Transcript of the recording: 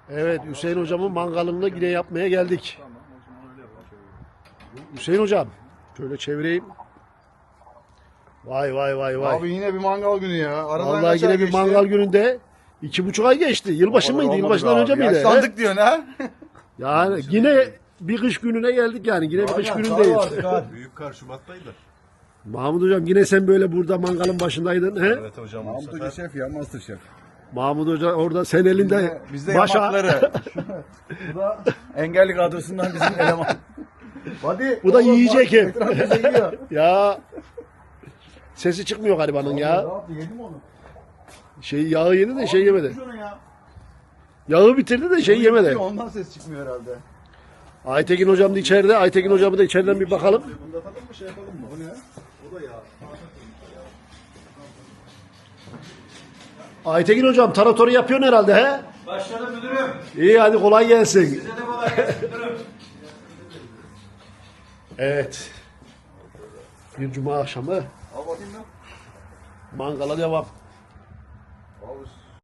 Evet, Hüseyin hocamın mangalını yine yapmaya geldik. Hüseyin hocam, şöyle çevireyim. Vay vay vay vay. Abi yine bir mangal günü ya. Aradan Vallahi kaç ay yine bir geçti? mangal gününde 2,5 ay geçti. Yılbaşı mıydı? Olmadı Yılbaşından be önce abi. miydi? Yaşlandık diyorsun ha. Yani yine bir kış gününe geldik yani. Yine bir kış günündeyiz. Büyük kar Şubat'taydı. Mahmut hocam yine sen böyle burada mangalın başındaydın. He? Evet hocam bu Mahmut Hoca sefer. şef ya, master şef. Mahmut hoca orada sen elinde Bizde başa. yamakları. Bu da engelli kadrosundan bizim eleman. Hadi. Bu da oğlum, yiyecek bak, hep. ekran bize yiyor. Ya sesi çıkmıyor garibanın Ne ya. yaptı, yedi mi onu? Yağı yedi de şey yemedi. Şunu ya. Yağı bitirdi de şey yemedi. Ondan ses çıkmıyor herhalde. Aytekin hocam da içeride. Aytekin hocamı da içeriden bir bakalım. Bunda atalım mı şey yapalım mı? Bu ne? O da ya. Aytekin hocam taratoru yapıyorsun herhalde he? Başladım müdürüm. İyi hadi kolay gelsin. Size de kolay gelsin müdürüm. Evet. Bir cuma akşamı Al bakayım lan. mangala devam. Al.